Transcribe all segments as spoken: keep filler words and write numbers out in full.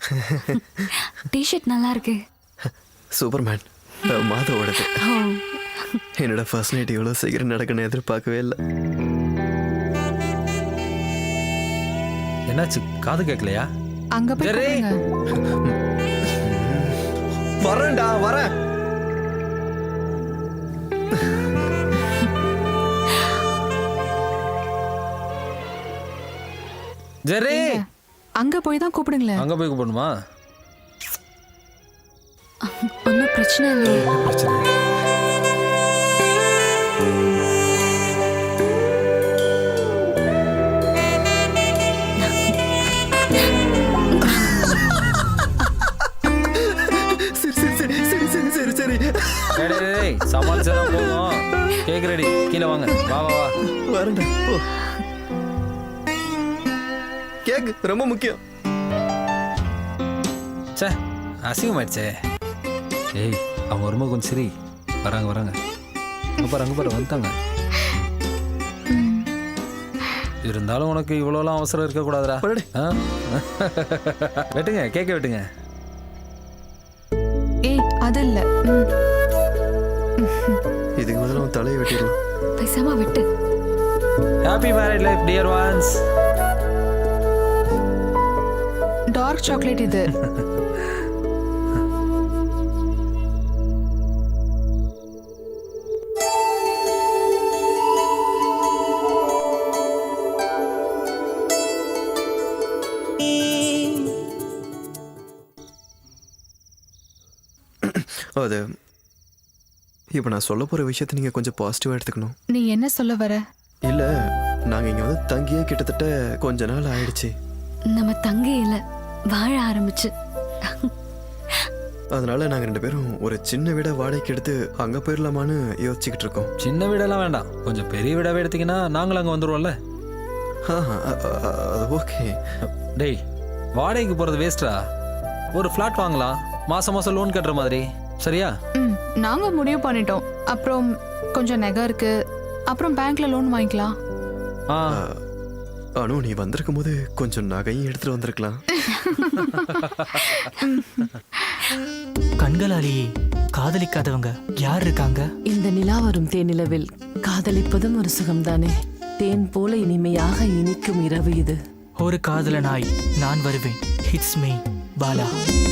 T shirt நல்லா இருக்கு. Superman மாதவோடது. என்னோட ஃபர்ஸ்ட் நைட் இவ்வளோ சீக்கிரம் நடக்கணும்னு எதிர்பார்க்கவே இல்லை. என்னாச்சு, காது கேட்கலையா? அங்க போய் ஜெர்ரி! கூப்பிடுங்க. வரேன்டா வரேன். ஜெர்ரி! அங்க போய் தான் கூப்பிடுங்களேன். அங்க போய் கூப்பிடணுமா? ஒன்றும் பிரச்சனை இல்லையே. பிரச்சனை இல்லை. சரி சரி சரி சரி சரி சரி சரி சமாளிச்சதான் போதும். கேக் ரெடி, கீழே வாங்க. வா வா வா. வரேன்டா. ஓ கேக் ரொம்ப முக்கியம். சே, அசிங்கமாயிடுச்சே. ஏய், அவங்க ரொம்ப கொஞ்சம் சரி. வராங்க வராங்க. அங்க பாரு அங்க பாரு வந்துட்டாங்க. இருந்தாலும் உனக்கு இவ்வளோலாம் அவசரம் இருக்கக்கூடாதுடா. வரடி. ஆ? வெட்டுங்க, கேக்க வெட்டுங்க. ஏய் அது இல்ல. இதுக்கு முதல்ல உன் தலையை வெட்டிடலாம். பேசாம விட்டு. Happy married life dear ones. Dark chocolate இது. அது இப்போ நான் சொல்ல போகிற விஷயத்தை நீங்கள் கொஞ்சம் பாசிட்டிவாக எடுத்துக்கணும். நீ என்ன சொல்ல வர? இல்லை, நாங்கள் இங்கே வந்து தங்கியே கிட்டத்தட்ட கொஞ்ச நாள் ஆயிடுச்சு. நம்ம தங்கி இல்ல வாழ ஆரம்பிச்சு. அதனால நாங்கள் ரெண்டு பேரும் ஒரு சின்ன வீடை வாடகைக்கு எடுத்து அங்கே போயிடலாமான்னு யோசிச்சுக்கிட்டு இருக்கோம். சின்ன வீடெல்லாம் வேண்டாம், கொஞ்சம் பெரிய வீடாவே எடுத்தீங்கன்னா நாங்களும் அங்கே வந்துடுவோம்ல. ஆ அ- அ- அது ஓகே. டேய், வாடகைக்கு போகிறது வேஸ்டா. ஒரு ஃப்ளாட் வாங்கலாம், மாதம் மாதம் லோன் கட்டுற மாதிரி. சரியா? ம் நாங்க முடிவு பண்ணிட்டோம். அப்புறம் கொஞ்சம் நகை இருக்கு. அப்புறம் பேங்க்ல லோன் வாங்கிக்கலாம். ஆ, அனு, நீ வந்திருக்கும் போது கொஞ்சம் நகையும் எடுத்துட்டு வந்திருக்கலாம். கண்களாலேயே காதலிக்காதவங்க யார் இருக்காங்க? இந்த நிலா வரும் தேனிலவில் காதலிப்பதும் ஒரு சுகம்தானே. தேன் போல இனிமையாக இனிக்கும் இரவு இது. ஒரு காதலனாய் நான் வருவேன். ஹிட்ஸ் மீ பாலா.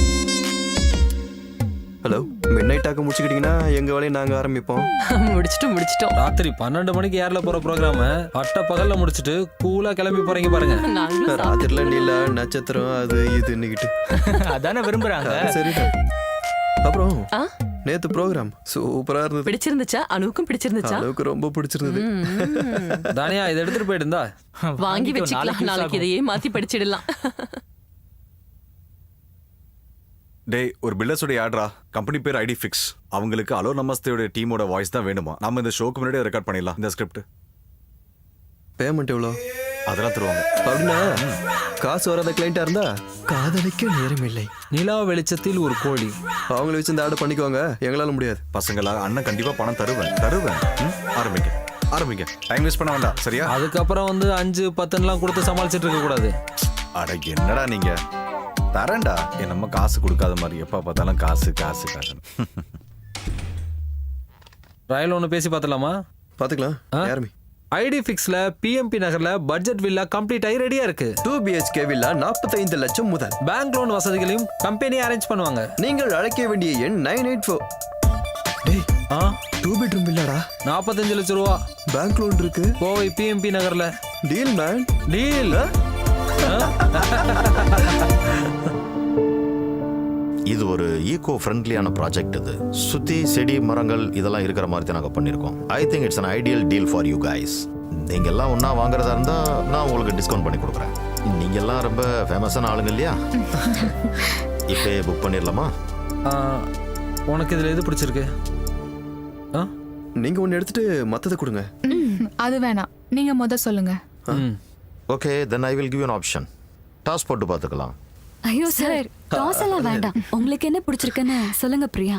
ஹலோ, மிட் நைட் ஆக்க முடிச்சுக்கிட்டீங்கன்னா எங்கள் வேலையை நாங்கள் ஆரம்பிப்போம். முடிச்சிட்டு முடிச்சிட்டோம். ராத்திரி பன்னெண்டு மணிக்கு ஏர்ல போற ப்ரோக்ராம அட்ட பகல்ல முடிச்சிட்டு கூலா கிளம்பி போறீங்க பாருங்க. நாங்களும் ராத்திரில நீல நட்சத்திரம் அது இதுன்னுக்கிட்டு. அதானே விரும்புறாங்க. சரிடா. அப்புறம் ஆ? நேத்து ப்ரோக்ராம் சூப்பரா இருந்தது. பிடிச்சிருந்துச்சா? அனுவுக்கும் பிடிச்சிருந்துச்சா? அளவுக்கு ரொம்ப பிடிச்சிருந்தது. தானியா, இதை எடுத்துட்டு போயிட்டு இருந்தா வாங்கி வச்சுக்கலாம். நாளைக்கு இதையே மாத்தி படிச்சிடலாம். டேய், ஒரு பில்டர்ஸோட ஆட்ரா. கம்பெனி பேர் ஐடி ஃபிக்ஸ். அவங்களுக்கு அலோ நமஸ்தேயோட டீமோட வாய்ஸ் தான் வேணுமா. நாம இந்த ஷோக்கு முன்னாடியே ரெக்கார்ட் பண்ணிடலாம். இந்த ஸ்கிரிப்ட் பேமெண்ட் எவ்வளோ? அதெல்லாம் தருவாங்க. அப்படின்னா காசு வராத கிளைண்டா இருந்தா காதலிக்க நேரம் இல்லை. நிலா வெளிச்சத்தில் ஒரு கோழி. அவங்கள வச்சு இந்த ஆர்டர் பண்ணிக்குவாங்க, எங்களால முடியாது. பசங்களா, அண்ணன் கண்டிப்பா பணம் தருவேன் தருவேன் ம்? ஆரம்பிங்க ஆரம்பிங்க. டைம் வேஸ்ட் பண்ண வேண்டாம். சரியா? அதுக்கப்புறம் வந்து அஞ்சு பத்துலாம் கொடுத்து சமாளிச்சிட்டு இருக்க கூடாது. அட என்னடா நீங்க, தரேன்டா. என் நம்ம காசு கொடுக்காத மாதிரி எப்ப பார்த்தாலும் காசு காசு காசு. ரயில் ஒன்று பேசி பார்த்துலாமா? பாத்துக்கலாம். யாருமே ஐடி ஃபிக்ஸ்ல பிஎம்பி நகர்ல பட்ஜெட் வில்லா கம்ப்ளீட் ஆகி ரெடியா இருக்கு. டூ பிஹெச்கே வில்லா நாற்பத்தைந்து லட்சம் முதல். பேங்க் லோன் வசதிகளையும் கம்பெனி அரேஞ்ச் பண்ணுவாங்க. நீங்கள் அழைக்க வேண்டிய எண் நைன் எயிட் ஃபோர். டேய், ஆ, டூ பெட்ரூம் வில்லாடா. நாற்பத்தஞ்சு லட்சம் ரூபா. பேங்க் லோன் இருக்கு. கோவை பிஎம்பி நகர்ல. Deal man. டீல். இது ஒரு ஈகோ ஃப்ரெண்ட்லியான ப்ராஜெக்ட். இது சுத்தி செடி மரங்கள் இதெல்லாம் இருக்கிற மாதிரி தான் நாங்கள் பண்ணியிருக்கோம். I think it's an ideal deal for you guys. நீங்கள் எல்லாம் ஒன்றா வாங்குறதா இருந்தால் நான் உங்களுக்கு டிஸ்கவுண்ட் பண்ணி கொடுக்குறேன். நீங்கள் எல்லாம் ரொம்ப ஃபேமஸான ஆளுங்க இல்லையா? இப்போ புக் பண்ணிடலாமா? ஆ, உனக்கு இதில் எது பிடிச்சிருக்கு? ஆ, நீங்க ஒன்னு எடுத்துட்டு மத்தத கொடுங்க. அது வேணாம், நீங்க முத சொல்லுங்க. ம். Okay, then I will give an option. Toss போட்டு பார்த்துக்கலாம். ஐயோ சார், டாஸ் எல்லாம் வேண்டாம். உங்களுக்கு என்ன பிடிச்சிருக்குன்னு சொல்லுங்க பிரியா.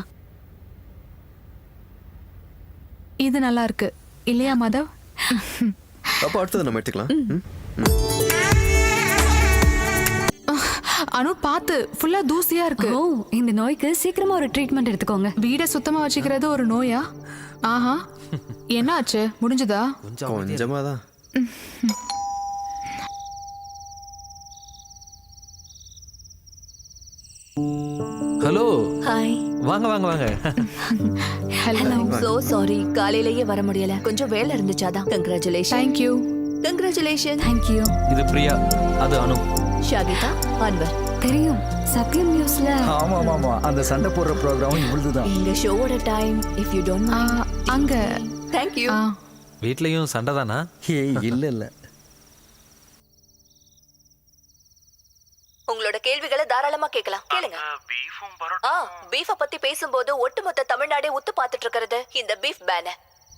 இது நல்லா இருக்கு இல்லையா மாதவ்? அப்ப அடுத்தது நம்ம எடுத்துக்கலாம். ம்? அனு பார்த்து ஃபுல்லா தூசியா இருக்கு. ஓ இந்த நோய்க்கு சீக்கிரமா ஒரு ட்ரீட்மெண்ட் எடுத்துக்கோங்க. வீடை சுத்தமா வச்சுக்கிறது ஒரு நோயா? ஆஹா, என்ன ஆச்சு? முடிஞ்சதா? கொஞ்சமா தான். Hello hi. வாங்க வாங்க வாங்க ஹலோ. சோ சாரி, காலையிலேயே வர முடியல, கொஞ்சம் வேலை இருந்துச்சாதான். கங்க்ராச்சுலேஷன். தேங்க்யூ. கங்க்ராச்சுலேஷன். தேங்க்யூ. இது பிரியா, அது அனு. ஷாகிதா, அன்வர். தெரியும், சத்யம் நியூஸ்ல. ஆமா ஆமா அந்த சண்டை போடுற ப்ரோக்ராம் இவ்வளவுதான். எங்க ஷோவோட time if you don't ah, mind. அங்க தேங்க் யூ. ஆ, வீட்லயும் சண்டை தானா? ஏய் இல்ல இல்ல. உங்களோட கேள்விகளை தாராளமா கேட்கலாம், கேளுங்க. ஆ, பீஃப பத்தி பேசும்போது ஒட்டுமொத்த தமிழ்நாடே உத்து பார்த்துட்டு இருக்கிறது இந்த பீஃப் பேன.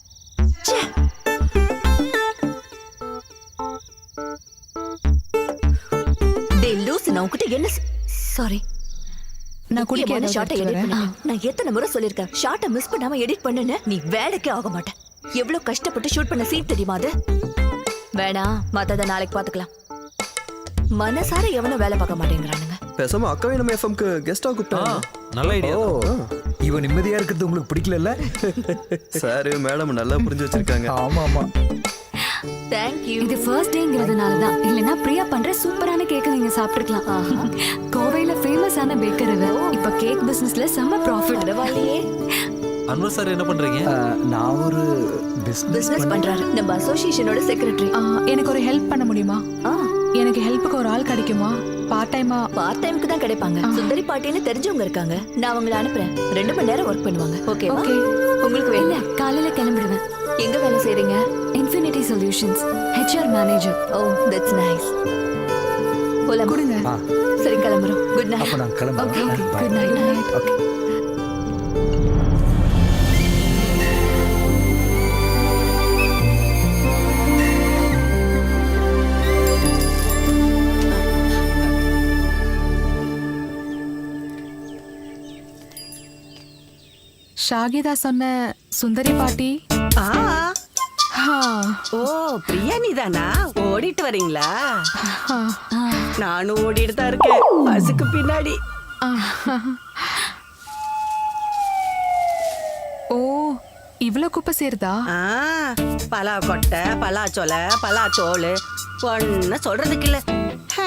டேய் லூஸ், நான் உன்கிட்ட என்ன சாரி நான் குடிக்க முக்கியமான ஏதாவது ஷாட்டை எடுத்துட்டு எடிட் வரேன். பண்ண. நான் எத்தனை முறை சொல்லிருக்கேன், ஷாட்டை மிஸ் பண்ணாம எடிட் பண்ணுன்னு. நீ வேலைக்கே ஆக மாட்டேன். எவ்வளவு கஷ்டப்பட்டு ஷூட் பண்ண சீன் தெரியுமா அது? வேணாம், மத்தத நாளைக்கு பாத்துக்கலாம். மனசார எவனும் வேலை பார்க்க மாட்டேங்கிறானுங்க. பேசாம அக்காவை நம்ம எஃப்எம்க்கு கெஸ்டா ஆ, கூப்பிட்டாங்க. நல்ல ஐடியா. இவன் நிம்மதியா இருக்கிறது உங்களுக்கு பிடிக்கல? சார் மேடம் நல்லா புரிஞ்சு வச்சிருக்காங்க. ஆமா ஆமா. Thank you. இது ஃபர்ஸ்ட் டேங்கிறதுனால தான். இல்லனா பிரியா பண்ற சூப்பரான கேக் நீங்க சாப்பிட்டுக்கலாம். கோவையில ஃபேமஸான பேக்கர் இவ. இப்ப கேக் பிசினஸ்ல செம்ம ப்ராஃபிட். பரவாயில்லையே. அன்வர் சார் என்ன பண்றீங்க? அஹ், நான் ஒரு பிசினஸ் பிசினஸ் பண்றாரு, நம்ம அசோசியேஷனோட செக்ரட்டரி. ஆ, எனக்கு ஒரு ஹெல்ப் பண்ண முடியுமா? ஆ, எனக்கு ஹெல்ப்புக்கு ஒரு ஆள் கிடைக்குமா? பார்ட் டைமா? பார்ட் டைம்க்கு தான் கிடைப்பாங்க. சுந்தரி பாட்டின்னு தெரிஞ்சவங்க இருக்காங்க, நான் அவங்கள அனுப்புறேன். ரெண்டு மணி நேரம் ஒர்க் பண்ணுவாங்க. ஓகேவா? ஓகே. உங்களுக்கு இல்ல வேணும்? காலையில கிளம்பிடுவேன். எங்க வேலை செய்றீங்க? Infinity solutions HR manager. Oh that's nice. போலாம். கொடுங்க. ஆ, சரி கிளம்புறோம். குட் அப்ப நைட். நான் கிளம்புறேன். Okay Bye. Good night. Okay. Shahida சொன்ன சுந்தரி பாட்டி. ஆ, ஆ, ஓ பிரியா நீதானா? ஓடிட்டு வரீங்களா? ஆ, நானும் ஓடிட்டு தான் இருக்கேன், பஸ்ஸுக்கு பின்னாடி. ஆ. ஓ இவ்ளோ குப்பை சேருதா? ஆ, பலா கொட்டை, பலா சொலை, பலா தோல், ஒன்னு சொல்றதுக்கு இல்ல. ஹே,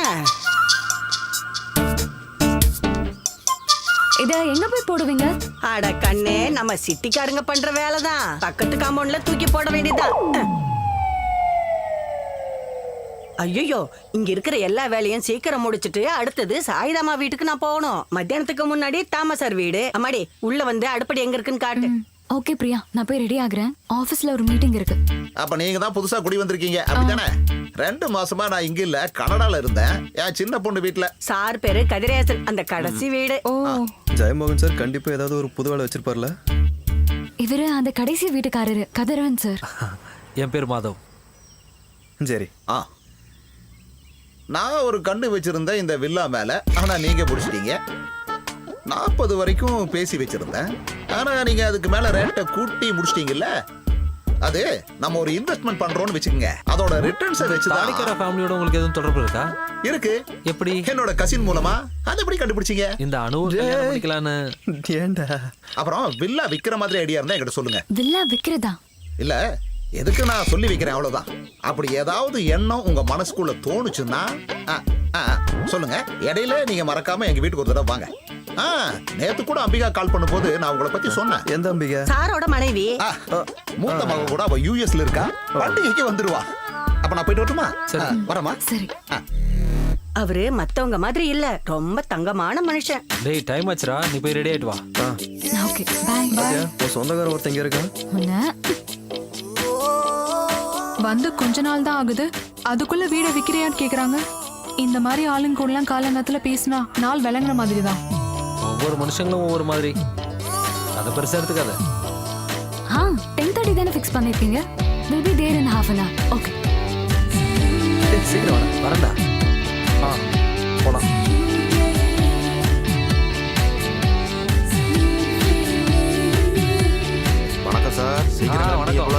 இத எங்க போய் போடுவீங்க? அட கண்ணே, நம்ம சிட்டிக்காரங்க பண்ற வேலைதான். பக்கத்து காம்பவுண்ட்ல தூக்கி போட வேண்டியதுதான். ஐயோ, இங்க இருக்கிற எல்லா வேலையும் சீக்கிரம் முடிச்சிட்டு அடுத்தது சாயிதாமா வீட்டுக்கு நான் போகணும். மத்தியானத்துக்கு முன்னாடி தாமசார் வீடு. அம்மாடி உள்ள வந்து அடுப்படி எங்க இருக்குன்னு காட்டு. ஓகே பிரியா, நான் போய் ரெடி ஆகுறேன். ஆபீஸ்ல ஒரு மீட்டிங் இருக்கு. அப்ப நீங்க தான் புதுசா குடி வந்திருக்கீங்க அப்படித்தானே? ரெண்டு மாசமா நான் இங்க இல்ல, கனடால இருந்தேன். என் சின்ன பொண்ணு வீட்டுல. சார் பேரு கதிரேசன், அந்த கடைசி வீடு. ஓ ஜெயமோகன் சார் கண்டிப்பா ஏதாவது ஒரு புது வேலை வச்சிருப்பார்ல. இவரு அந்த கடைசி வீட்டுக்காரரு கதிரவன் சார். என் பேர் மாதவ். சரி. ஆ, நான் ஒரு கண்ணு வச்சிருந்தேன் இந்த வில்லா மேல, ஆனா நீங்க பிடிச்சிட்டீங்க. நாற்பது வரைக்கும் பேசி வச்சிருந்தேன், ஆனா நீங்க அதுக்கு மேல ரேட்டை கூட்டி முடிச்சிட்டீங்கல்ல. அது நம்ம ஒரு இன்வெஸ்ட்மெண்ட் பண்றோம்னு வச்சுக்கோங்க, அதோட ரிட்டர்ன்ஸை வச்சுதான். தாடிக்கார ஃபேமிலியோட உங்களுக்கு எதுவும் தொடர்பு இருக்கா? இருக்கு. எப்படி? என்னோட கசின் மூலமா. அது எப்படி கண்டுபிடிச்சீங்க? இந்த அணுவை கல்யாணம் பண்ணிக்கலான்னு. ஏண்டா? அப்புறம் வில்லா விக்கிற மாதிரி ஐடியா இருந்தா என்கிட்ட சொல்லுங்க. வில்லா விக்கிறதா? இல்ல, எதுக்கு நான் சொல்லி வைக்கிறேன் அவ்வளவுதான். அப்படி ஏதாவது எண்ணம் உங்க மனசுக்குள்ள தோணுச்சுன்னா ஆ, ஆ, சொல்லுங்க. இடையில நீங்க மறக்காம எங்க வீட்டுக்கு ஒரு தடவை வாங்க. ஆ, நேத்து கூட அம்பிகா கால் பண்ணும்போது நான் உங்களை பத்தி சொன்னேன். எந்த அம்பிகா? சாரோட மனைவி. ஆ, மூத்த மக கூட அவ யூஎஸ்ல இருக்கா, பண்டிகைக்கு வந்துருவா. அப்ப நான் போயிட்டு வரட்டுமா? ஆ, வரமா? சரி. ஆ. அவரு மத்தவங்க மாதிரி இல்ல, ரொம்ப தங்கமான மனுஷன். டேய் டைம் ஆச்சுடா, நீ போய் ரெடி ஆயிட்டு வா. Okay bye. பாத்தியா, உன் சொந்தக்காரன் ஒருத்தங்க இருக்கான். உன்ன வந்து கொஞ்ச நாள் தான் ஆகுது, அதுக்குள்ள வீட விக்கிறியான்னு கேக்குறாங்க. இந்த மாதிரி ஆளுங்க கூட எல்லாம் காலங்கத்துல பேசினா நாள் விளங்குற மாதிரி தான். ஒவ்வொரு மனுஷங்களும் ஒவ்வொரு மாதிரி. அதை பெருசா எடுத்துக்காத. ஆ டென் தேர்ட்டி தானே ஃபிக்ஸ் பண்ணிருக்கீங்க. Will be there in half an hour. Okay ஏய், சீக்கிரம் வாடா. வரண்டா. ஆ போலாம். வணக்கம் சார். சீக்கிரம் ஆ, கிளம்புறீங்க வணக்கம். போல.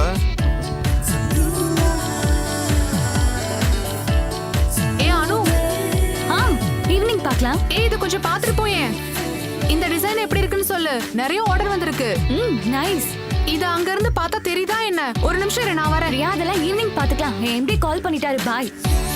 ஏ அனு, ஆ பார்க்கலாம். ஏய் இது கொஞ்சம் பாத்துட்டு போயேன். இந்த டிசைன் எப்படி இருக்குன்னு சொல்லு. நிறைய ஆர்டர் வந்திருக்கு. ம் நைஸ். இது அங்க இருந்து பார்த்தா தெரியுதா என்ன? ஒரு நிமிஷம் இரு, நான் வரேன். பிரியா அதெல்லாம் ஈவினிங் பாத்துக்கலாம். என் எம்டி கால் பண்ணிட்டாரு. பாய்.